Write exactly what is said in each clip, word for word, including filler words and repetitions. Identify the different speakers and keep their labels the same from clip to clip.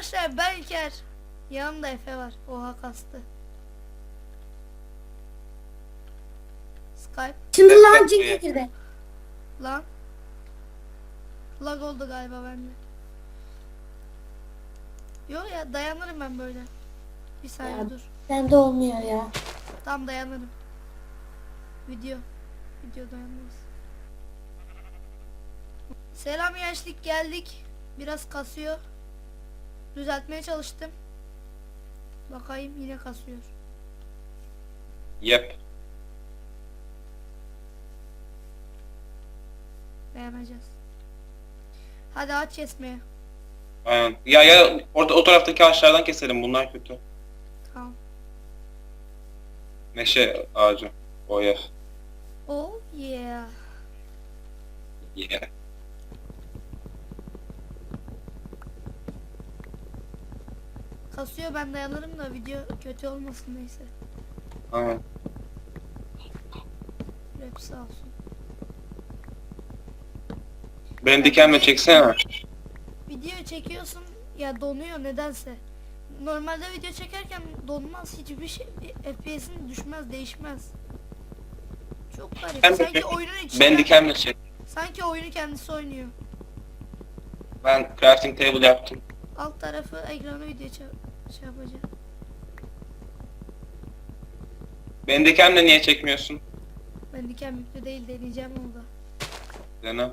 Speaker 1: Arkadaşlar ben İlker. Yanımda Efe var. Oha kastı. Skype.
Speaker 2: Şimdi lan cin girdi.
Speaker 1: Lan. Lag oldu galiba bende. Yok ya dayanırım ben böyle. Bir saniye
Speaker 2: Ya,
Speaker 1: dur.
Speaker 2: bende olmuyor ya.
Speaker 1: Tam dayanırım. Video. Video dayanmaz. Selam gençlik, geldik. Biraz kasıyor. Düzeltmeye çalıştım. Bakayım yine kasıyor.
Speaker 3: Yep.
Speaker 1: Beğeneceğiz. Hadi aç kesmeye.
Speaker 3: Aynen. Ya ya orada o taraftaki ağaçlardan keselim. Bunlar kötü.
Speaker 1: Tamam.
Speaker 3: Meşe ağacı. O ya.
Speaker 1: Oh yeah.
Speaker 3: Yeah.
Speaker 1: Kasıyor, ben dayanırım da video kötü olmasın neyse.
Speaker 3: Aynen.
Speaker 1: Rap sağ olsun.
Speaker 3: Benim dikenle çeksene.
Speaker 1: Video çekiyorsun ya donuyor nedense. Normalde video çekerken donmaz, hiçbir şey, F P S'in düşmez, değişmez. Çok garip.
Speaker 3: Ben,
Speaker 1: Sanki oyunun içinde.
Speaker 3: ben dikenle çek.
Speaker 1: Sanki oyunu kendisi oynuyor.
Speaker 3: Ben crafting table yaptım.
Speaker 1: Alt tarafı ekranı video şey yapacak.
Speaker 3: Ben dikenle niye çekmiyorsun?
Speaker 1: Ben diken yüklü değil, deneyeceğim onu da.
Speaker 3: Dene.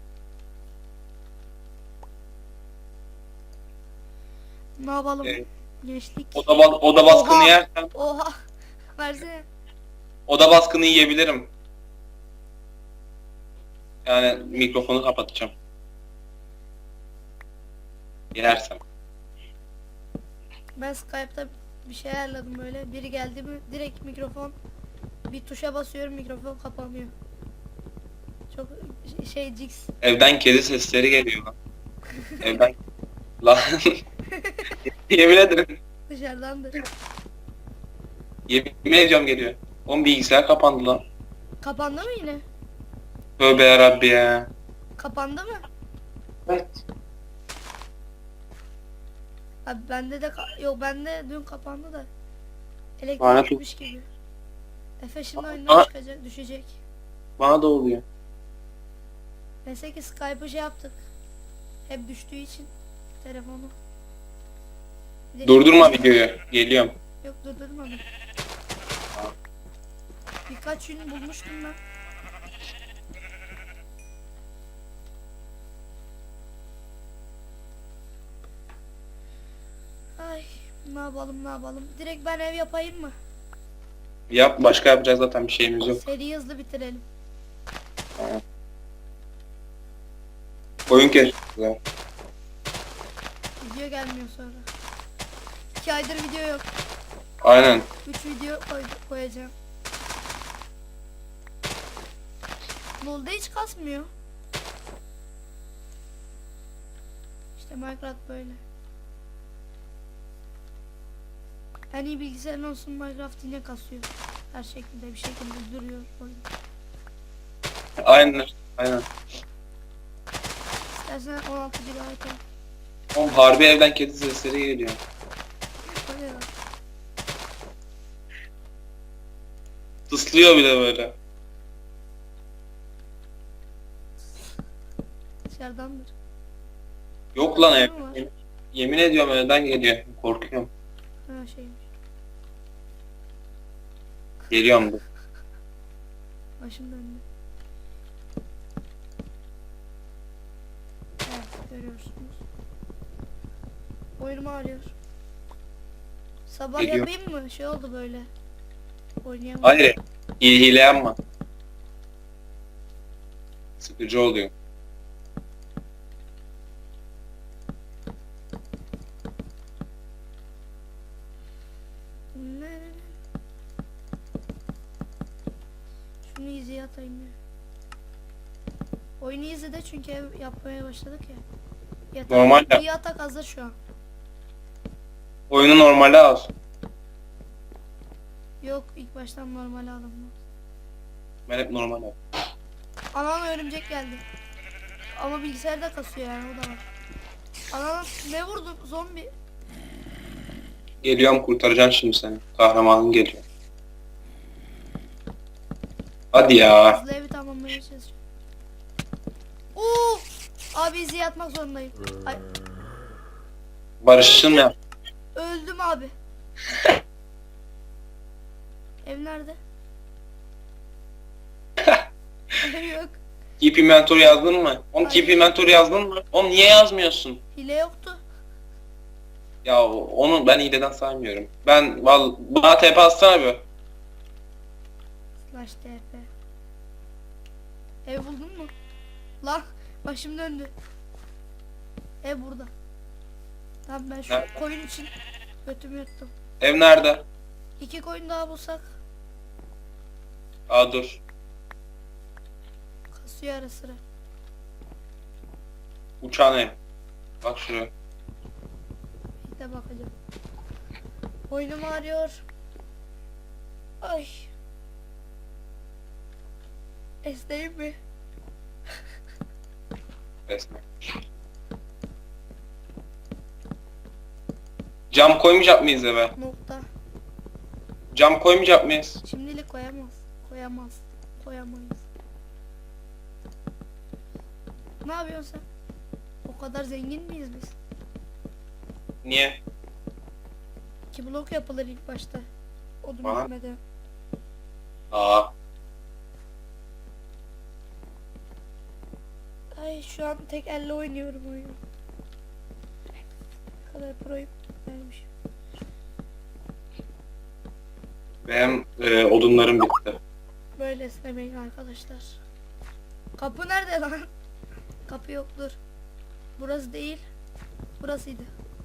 Speaker 1: Ne yapalım?
Speaker 3: Evet.
Speaker 1: Gençlik.
Speaker 3: Oda, ba oda baskını
Speaker 1: Oha!
Speaker 3: yersen
Speaker 1: Oha. Versene.
Speaker 3: oda baskını yiyebilirim. Yani mikrofonu kapatacağım. Yersem.
Speaker 1: Ben Skype'ta bir şey ayarladım böyle. Biri geldi mi direkt mikrofon, bir tuşa basıyorum, mikrofon kapanıyor. Çok şey Cix.
Speaker 3: Evden kedi sesleri geliyor lan. Evden lan. Yemin ederim.
Speaker 1: Dışarıdandır.
Speaker 3: Yemin ediyorum geliyor. Oğlum bilgisayar kapandı lan.
Speaker 1: Kapandı mı yine?
Speaker 3: Tövbe yarabbi ya.
Speaker 1: Kapandı mı?
Speaker 3: Evet.
Speaker 1: Abi bende de ka- yok, bende dün kapandı da. Elektrik
Speaker 3: Lanet
Speaker 1: gitmiş gibi. Efe şimdi
Speaker 3: Aa.
Speaker 1: oyundan çıkacak, düşecek.
Speaker 3: Bana da oluyor.
Speaker 1: Neyse ki Skype'ı şey yaptık. Hep düştüğü için telefonu. Bir de
Speaker 3: Durdurma
Speaker 1: şimdi-
Speaker 3: videoyu. Geliyorum.
Speaker 1: Yok durdurmadım. Birkaç gün bulmuştum ben. Ay ne yapalım ne yapalım. Direkt ben ev yapayım mı?
Speaker 3: Yap. Başka yapacak zaten bir şeyimiz yok.
Speaker 1: Seriyi hızlı bitirelim.
Speaker 3: Oyun kes.
Speaker 1: Video gelmiyor sonra. İki aydır video yok.
Speaker 3: Aynen.
Speaker 1: Üç video koy koyacağım. LoL'da hiç kasmıyor. İşte Minecraft böyle. En iyi bilgisayarın olsun, Minecraft yine kasıyor. Her şekilde bir şekilde duruyor oyun.
Speaker 3: Aynen. Aynen.
Speaker 1: İstersen on altı gigabayt al.
Speaker 3: Oğlum harbi evden kedi sesleri geliyor.
Speaker 1: O ne lan?
Speaker 3: Tıslıyor bile böyle.
Speaker 1: Dışarıdandır.
Speaker 3: Yok lan ev.
Speaker 1: Ne var?
Speaker 3: Yemin ediyorum evden geliyor. Korkuyorum.
Speaker 1: Ha şeymiş.
Speaker 3: Geliyorum dur.
Speaker 1: Başım döndü. Evet görüyorsunuz. Oyunum ağrıyor. Sabah
Speaker 3: Geliyor.
Speaker 1: yapayım mı? Şey oldu böyle. Oynayamadım.
Speaker 3: Hayır. Hile, hile yapma. Sıkıcı oluyor.
Speaker 1: Ne? Şunu izleye atayım ya. Oyunu izledi çünkü ev yapmaya başladık ya. Yatak,
Speaker 3: Normal ya.
Speaker 1: bir yatak hazır şu an.
Speaker 3: Oyunu normale al.
Speaker 1: Yok ilk baştan normal aldım.
Speaker 3: Ben hep normal al.
Speaker 1: Anam örümcek geldi. Ama bilgisayarda kasıyor yani, o da var. Anam ne vurdu zombi?
Speaker 3: Geliyorum, kurtaracağım şimdi seni. Kahramanın geliyor. Hadi ya.
Speaker 1: Hızlı evi tamamlamaya çalışıyorum. Oo! Abi izi yatmak zorundayım. Ay,
Speaker 3: Barış'ın ya.
Speaker 1: öldüm abi. Ev nerede? Ev yok.
Speaker 3: Keep inventory yazdın mı? Oğlum keep inventory yazdın mı? Oğlum niye yazmıyorsun?
Speaker 1: Hile yoktu.
Speaker 3: Ya onu ben hileden saymıyorum. Ben val bana T P atsana bir.
Speaker 1: Slash T P. Ev buldun mu? Lan başım döndü. Ev burada. Tamam ben şu
Speaker 3: Nerede?
Speaker 1: koyun için götümü yuttum.
Speaker 3: Ev nerede?
Speaker 1: İki koyun daha bulsak
Speaker 3: Aa dur.
Speaker 1: kasıyor ara sıra.
Speaker 3: Uçağın ev. Bak şuraya.
Speaker 1: Bir de bakacağım. Boynum ağrıyor. Ay. Esneyim mi?
Speaker 3: Resmen. Cam koymayacak mıyız eve?
Speaker 1: Nokta.
Speaker 3: Cam koymayacak mıyız?
Speaker 1: Şimdilik koyamaz. Koyamaz. Koyamayız. Ne yapıyorsun sen? O kadar zengin miyiz biz?
Speaker 3: Niye?
Speaker 1: İki blok yapılır ilk başta. Odun
Speaker 3: Bana?
Speaker 1: bitmeden.
Speaker 3: Aa.
Speaker 1: Ay şu an tek elle oynuyorum oyunu. Ne kadar proyum vermiş.
Speaker 3: Benim e, odunlarım bitti.
Speaker 1: Böyle esnemeyin arkadaşlar. Kapı nerede lan? Kapı yoktur. Burası değil. Burasıydı.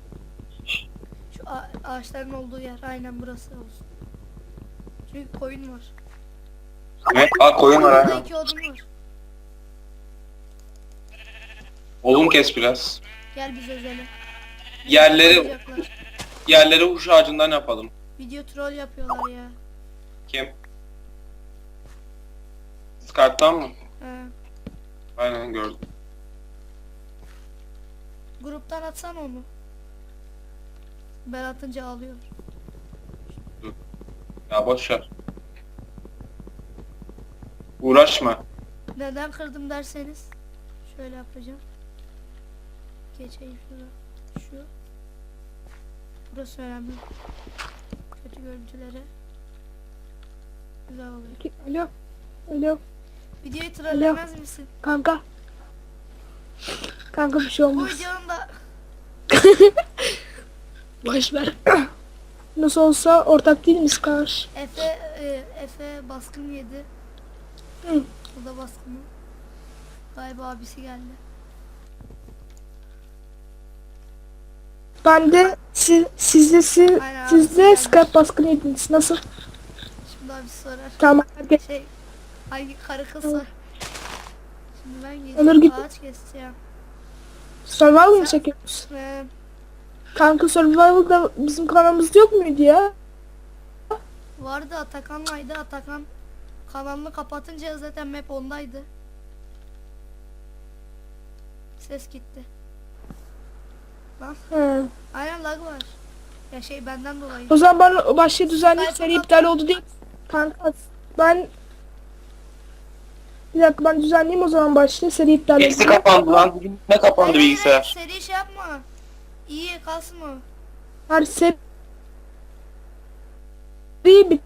Speaker 1: Şu a- ağaçların olduğu yer. Aynen burası olsun. Çünkü koyun var.
Speaker 3: Ne? Aa koyun var
Speaker 1: Burada
Speaker 3: ha.
Speaker 1: iki odun var.
Speaker 3: Odun kes biraz.
Speaker 1: Gel biz özele.
Speaker 3: Yerleri
Speaker 1: Yapacaklar.
Speaker 3: yerleri huş ağacından yapalım.
Speaker 1: Video troll yapıyorlar ya.
Speaker 3: Kim? Skype'tan mı?
Speaker 1: He.
Speaker 3: Aynen gördüm.
Speaker 1: Gruptan atsana onu. Ben atınca ağlıyor.
Speaker 3: Ya boş ver. Uğraşma.
Speaker 1: Neden kırdım derseniz şöyle yapacağım. Geçeyim şurada. Şu. Burası önemli. Kötü görüntülere. Güzel oluyor.
Speaker 4: Alo. Alo.
Speaker 1: Videoyu trollemez misin?
Speaker 4: Kanka. Kanka bir şey
Speaker 1: Bu
Speaker 4: olmaz.
Speaker 1: videonun da
Speaker 4: Boş ver. Nasıl olsa ortak değil miyiz karşı?
Speaker 1: Efe e, Efe baskın yedi.
Speaker 4: Hı.
Speaker 1: O da baskını. Galiba abisi geldi.
Speaker 4: Ben de siz, sizde siz,
Speaker 1: Aynen,
Speaker 4: siz de
Speaker 1: abi,
Speaker 4: Skype baskını yediniz. Nasıl?
Speaker 1: Şimdi abisi sorar.
Speaker 4: Tamam. Hadi.
Speaker 1: Şey hangi karı kızsa.
Speaker 4: Tamam.
Speaker 1: Şimdi ben
Speaker 4: Olur,
Speaker 1: gideceğim
Speaker 4: git.
Speaker 1: ağaç keseceğim.
Speaker 4: Survival mı
Speaker 1: Sen-
Speaker 4: çekiyoruz?
Speaker 1: Ve
Speaker 4: Kanka Survival'da bizim kanalımızda yok muydu ya?
Speaker 1: vardı Atakan'laydı. Atakan kanalını kapatınca zaten map ondaydı. Ses gitti. Lan
Speaker 4: Hı.
Speaker 1: aynen lag var. Ya şey benden dolayı.
Speaker 4: O zaman ben o başlığı düzenleyip
Speaker 1: Skype'ı
Speaker 4: seri
Speaker 1: kapat.
Speaker 4: iptal oldu diye. Kanka ben bir dakika ben düzenleyeyim o zaman başlığı seri iptal
Speaker 3: Eksi
Speaker 4: oldu.
Speaker 3: kapandı lan. Ne kapandı
Speaker 1: Hayır, hayır,
Speaker 3: bilgisayar?
Speaker 1: seri şey yapma. İyi kalsın o.
Speaker 4: Her seri bit.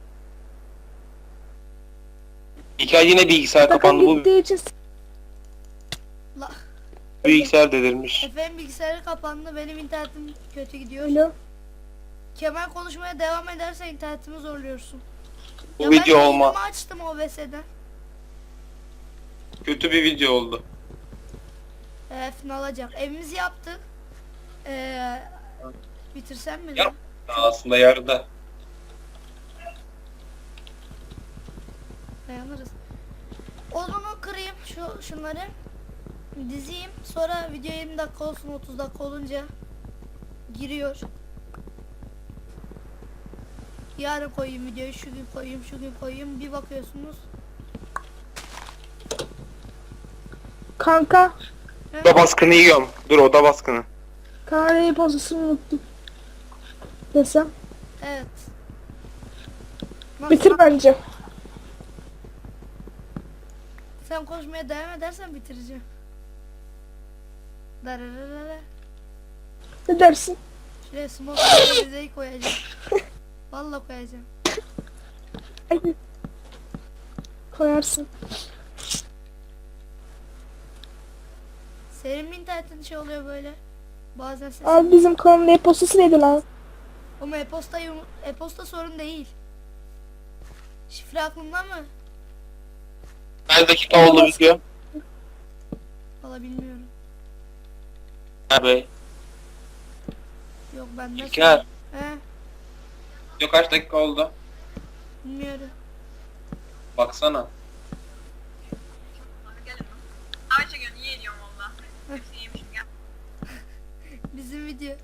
Speaker 3: Hikaye yine bilgisayar
Speaker 4: Takım
Speaker 3: kapandı. Bu
Speaker 4: gittiği için
Speaker 1: La,
Speaker 3: bilgisayar delirmiş.
Speaker 1: Efe'nin bilgisayarı kapandı. Benim internetim kötü gidiyor.
Speaker 4: Alo.
Speaker 1: Kemal konuşmaya devam ederse internetimi zorluyorsun.
Speaker 3: Bu
Speaker 1: Ya
Speaker 3: video
Speaker 1: ben
Speaker 3: olma.
Speaker 1: videomu açtım O B S'den.
Speaker 3: Kötü bir video oldu.
Speaker 1: Ee, final alacak. Evimizi yaptık. Ee, bitirsem mi?
Speaker 3: Yap.
Speaker 1: lan?
Speaker 3: Aslında yarıda.
Speaker 1: Dayanırız. Odunu kırayım şu şunları. Dizeyim. Sonra video yirmi dakika olsun, otuz dakika olunca giriyor. Yarın koyayım videoyu, şu gün koyayım, şu gün koyayım. Bir bakıyorsunuz.
Speaker 4: Kanka
Speaker 3: Oda baskını yiyorum. Dur oda baskını.
Speaker 4: kamerayı pozisyon unuttum. Desem.
Speaker 1: Evet. Nasıl?
Speaker 4: Bitir bence.
Speaker 1: Sen koşmaya devam edersen bitireceğim. Dararara.
Speaker 4: Ne dersin?
Speaker 1: Şuraya smoke bizeyi koyacağım. Vallahi koyacağım.
Speaker 4: Hadi. Koyarsın.
Speaker 1: Senin mi internetin şey oluyor böyle? Bazen ses.
Speaker 4: Abi bizim kanalın e-postası neydi lan?
Speaker 1: Ama e-posta, yum- e-posta sorun değil. Şifre aklında mı?
Speaker 3: Kaç dakika oldu video?
Speaker 1: Valla bilmiyorum.
Speaker 3: Abi.
Speaker 1: Yok bende.
Speaker 3: İlker.
Speaker 1: sorun. He,
Speaker 3: Video kaç dakika oldu?
Speaker 1: bilmiyorum.
Speaker 3: Baksana.
Speaker 5: Gelin lan. Ayşegül iyi ediyorum valla. Hepsini yemişim gel.
Speaker 1: Bizim video.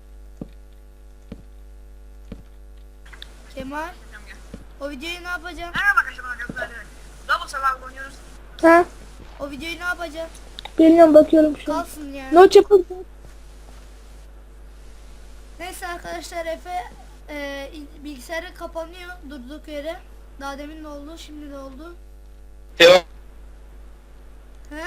Speaker 1: Kemal,
Speaker 5: Tamam gel.
Speaker 1: o videoyu ne yapacaksın?
Speaker 5: Merhaba arkadaşlar bana gözlerle. Double survival oynuyoruz.
Speaker 4: Ha?
Speaker 1: O videoyu ne yapacaksın?
Speaker 4: Bilmiyorum, bakıyorum şu an.
Speaker 1: Kalsın ya.
Speaker 4: Not yapalım.
Speaker 1: Neyse arkadaşlar, Efe e, bilgisayarı kapanıyor durduk yere. Daha demin de oldu, şimdi de oldu.
Speaker 3: Teo.
Speaker 1: He?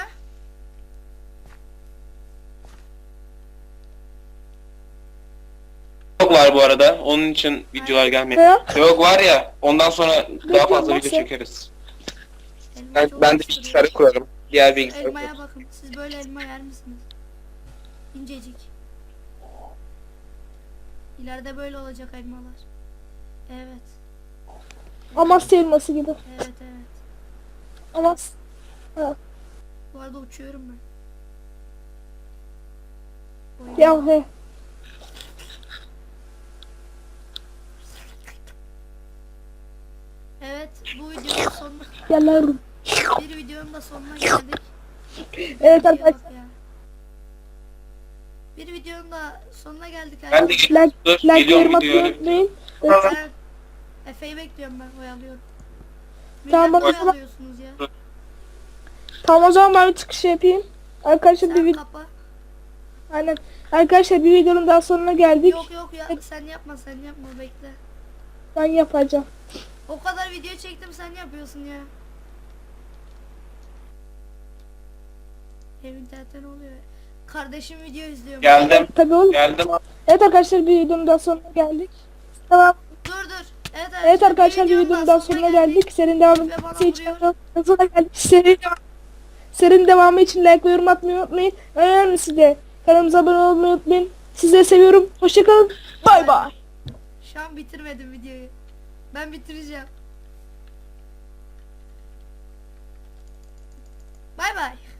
Speaker 3: Yok var bu arada. Onun için videolar gelmedi.
Speaker 4: Ne?
Speaker 3: Yok var ya. Ondan sonra daha fazla
Speaker 4: nasıl?
Speaker 3: video çekeriz.
Speaker 1: Elma
Speaker 3: Ben,
Speaker 1: çok
Speaker 3: ben de
Speaker 1: hoş
Speaker 3: bilgisayarı
Speaker 1: duruyor.
Speaker 3: kurarım. Diğer bilgisayarı
Speaker 1: Elmaya
Speaker 3: kurarım.
Speaker 1: bakın. Siz böyle elma yer misiniz? İncecik. İleride böyle olacak elmalar. Evet.
Speaker 4: Amasya elması gibi.
Speaker 1: Evet evet.
Speaker 4: Amas. Ha.
Speaker 1: Bu arada uçuyorum ben. Oyun-
Speaker 4: Ya he.
Speaker 1: Evet, bu videonun sonuna
Speaker 4: Gel lan.
Speaker 1: bir videonun da sonuna geldik.
Speaker 4: Evet
Speaker 1: Videoya bak
Speaker 4: arkadaşlar.
Speaker 1: ya. Bir videonun da sonuna geldik
Speaker 3: Ben de
Speaker 1: arkadaşlar.
Speaker 4: Like,
Speaker 3: dur.
Speaker 4: like
Speaker 3: Geliyorum
Speaker 4: yorum atmayı
Speaker 3: videoya.
Speaker 4: unutmayın.
Speaker 1: Ben Efe'yi bekliyorum, ben oyalıyorum.
Speaker 4: Tamam,
Speaker 1: Millet
Speaker 4: o zaman-
Speaker 1: oyalıyorsunuz ya.
Speaker 4: Tamam, o zaman ben bir çıkış yapayım. Arkadaşlar bir
Speaker 1: Sen
Speaker 4: video.
Speaker 1: kapa.
Speaker 4: Aynen. Arkadaşlar bir videonun daha sonuna geldik.
Speaker 1: Yok yok ya, sen yapma sen yapma, bekle.
Speaker 4: Ben yapacağım.
Speaker 1: O kadar video çektim, sen yapıyorsun ya. Benim internetten oluyor. Kardeşim video izliyor.
Speaker 3: Geldim.
Speaker 4: Tabii oğlum.
Speaker 3: Geldim.
Speaker 4: Evet arkadaşlar, bir videonun daha sonuna geldik. Tamam.
Speaker 1: Dur dur. Evet arkadaşlar,
Speaker 4: Evet arkadaşlar, bir videonun daha sonuna geldik. Serinin devamı
Speaker 1: Ve bana
Speaker 4: için
Speaker 1: vuruyor.
Speaker 4: sonuna geldik. Serinin serinin devamı için like ve yorum atmayı unutmayın. Önemlisi de kanalımıza abone olmayı unutmayın. Sizleri seviyorum. Hoşçakalın. Bay bay.
Speaker 1: Şu an bitirmedim videoyu. Ben bitireceğim. Bay bay.